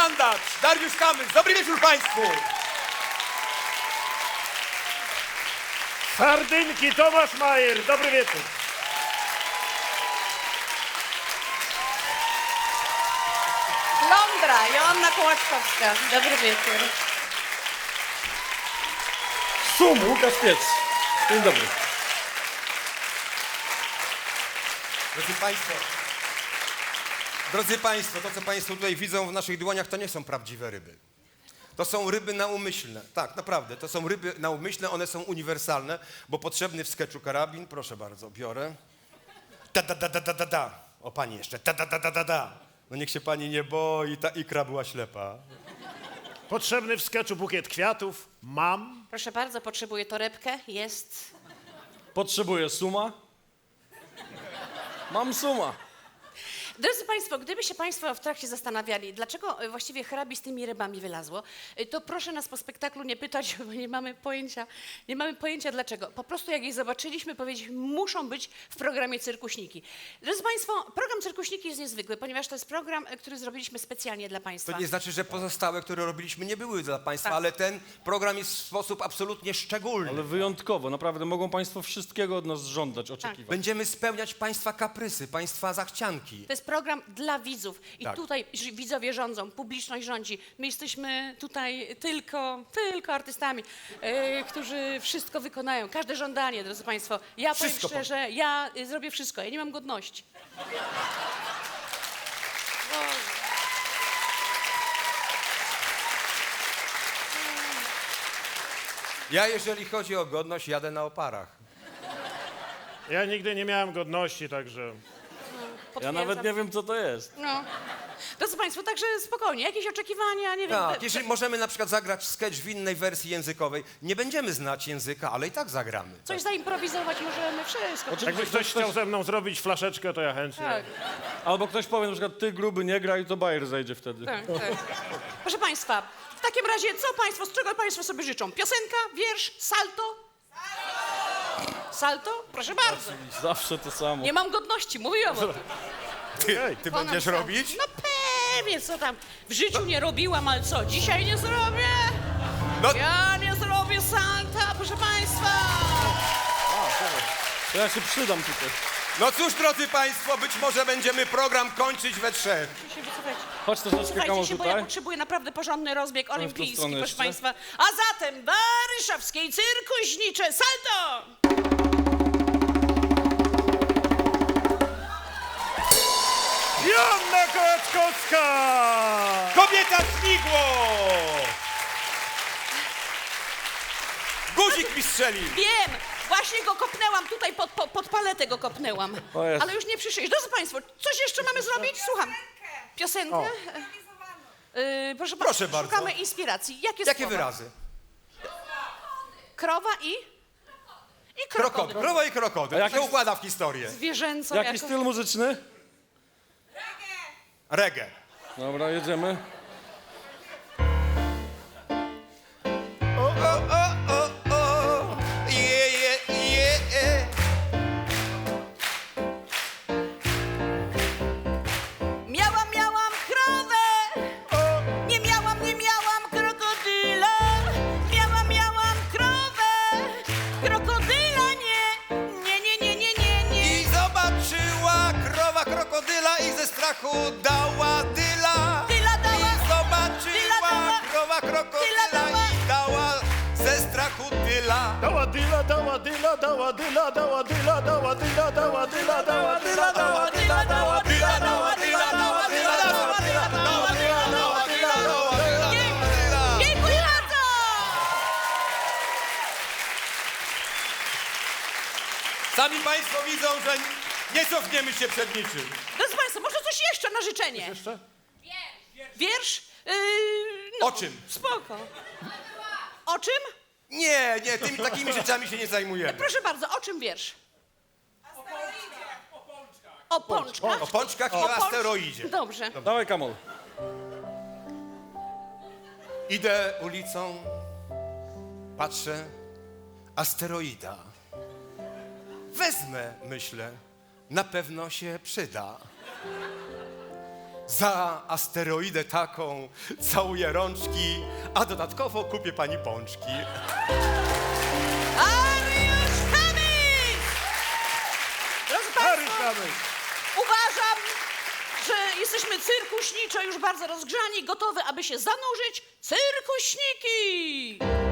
Sandacz, Dariusz Kamysz. Dobry wieczór Państwu. Sardynki, Tomasz Majer, dobry wieczór. Londra, Joanna Kołaczkowska. Dobry wieczór. Sum, Łukasz Piec. Dzień dobry. Drodzy Państwo, to co Państwo tutaj widzą w naszych dłoniach, to nie są prawdziwe ryby. To są ryby naumyślne. Tak, naprawdę, to są ryby naumyślne, one są uniwersalne, bo potrzebny w sketchu karabin, proszę bardzo, biorę. Da. O, pani jeszcze, da. No niech się pani nie boi, ta ikra była ślepa. Potrzebny w sketchu bukiet kwiatów. Mam. Proszę bardzo, potrzebuję torebkę. Jest. Potrzebuję suma. Mam suma. Drodzy Państwo, gdyby się Państwo w trakcie zastanawiali, dlaczego właściwie hrabi z tymi rybami wylazło, to proszę nas po spektaklu nie pytać, bo nie mamy pojęcia dlaczego. Po prostu jak je zobaczyliśmy, powiedzieliśmy, muszą być w programie Cyrkuśniki. Drodzy Państwo, program Cyrkuśniki jest niezwykły, ponieważ to jest program, który zrobiliśmy specjalnie dla Państwa. To nie znaczy, że pozostałe, które robiliśmy, nie były dla Państwa, Tak. ale ten program jest w sposób absolutnie szczególny. Ale wyjątkowo, naprawdę mogą Państwo wszystkiego od nas żądać, oczekiwać. Będziemy spełniać Państwa kaprysy, Państwa zachcianki. To jest program dla widzów i Tak. tutaj widzowie rządzą, publiczność rządzi. My jesteśmy tutaj tylko artystami, którzy wszystko wykonają, każde żądanie, drodzy Państwo. Ja powiem Wszystko szczerze, ja zrobię wszystko, ja nie mam godności. Ja, jeżeli chodzi o godność, jadę na oparach. Ja nigdy nie miałem godności, także... Ja Potwierdzam. nawet nie wiem, co to jest. No. Drodzy Państwo, także spokojnie, jakieś oczekiwania, nie wiem. Tak, jeżeli możemy na przykład zagrać sketch w innej wersji językowej, nie będziemy znać języka, ale i tak zagramy. Coś zaimprowizować możemy, wszystko. Jakby ktoś chciał ze mną zrobić flaszeczkę, to ja chętnie. Tak, Albo ktoś powie na przykład, ty gruby nie graj, to bajer zejdzie wtedy. tak. Proszę Państwa, w takim razie z czego Państwo sobie życzą? Piosenka, wiersz, salto? Salto? Proszę bardzo. Zawsze to samo. Nie mam godności, mówiłam o tym. Ty Ponad będziesz salto. robić? No pewnie, co tam. W życiu nie robiłam, ale co, dzisiaj nie zrobię? No. Ja nie zrobię salta, proszę Państwa. To ja się przydam tutaj. No cóż, drodzy Państwo, być może będziemy program kończyć we trzech. Się wycofajcie. Chodź troszeczkę, Słuchajcie Kamol, się, bo ja tutaj. potrzebuję naprawdę porządny rozbieg olimpijski, stronę proszę jeszcze. Państwa. A zatem Baryszewskiej Cyrkuśnicze salto! Joanna Kołaczkowska! Kobieta śmigło! Guzik mi strzeli! Wiem! Właśnie go kopnęłam, tutaj pod paletę go kopnęłam. O Jezu. Ale już nie przyszłeś. Drodzy Państwo, coś jeszcze mamy zrobić? Słucham. Piosenkę? Proszę bardzo. Szukamy inspiracji. Jakie Jakie słowa? wyrazy? Krowa i Krokodyl. krokodyl. Krowa i krokodyl. A Jak się jaki- układa w historię? Zwierzęco Jaki jako... styl muzyczny? Reggae. Dobra, jedziemy. Je. Miałam krowę! Nie miałam krokodyla! Miałam krowę! Krokodyla nie! I zobaczyła krowa krokodyla i ze strachu dała dyla. Dyla dała. I zobaczyła dała. krowa krokodyla Dyla dała. i dała ze strachu dyla. Dała dyla, dała dyla, dała dyla, dała dyla, dała dyla, dała dyla, dała dyla, dała dyla, dała dyla, dała dyla, dała dyla, dała dyla, dała dyla, dała dyla, dała dyla. Dziękuję bardzo! Sami Państwo widzą, że nie cofniemy się przed niczym. Drodzy Państwo, może coś jeszcze na życzenie? Jeszcze? Wiersz? O czym? Spoko. O czym? Nie, tymi takimi rzeczami się nie zajmujemy. Proszę bardzo, o czym wiersz? O pączkach. O pączkach i o pącz- asteroidzie. Dobrze. Dawaj, Kamol. Idę ulicą, patrzę, asteroida. Wezmę, myślę, na pewno się przyda. Za asteroidę taką całuję rączki, a dodatkowo kupię pani pączki. Ariusz Kamyk! Drodzy Państwo, uważam, że jesteśmy cyrkuśniczo już bardzo rozgrzani, gotowi, aby się zanurzyć. Cyrkuśniki!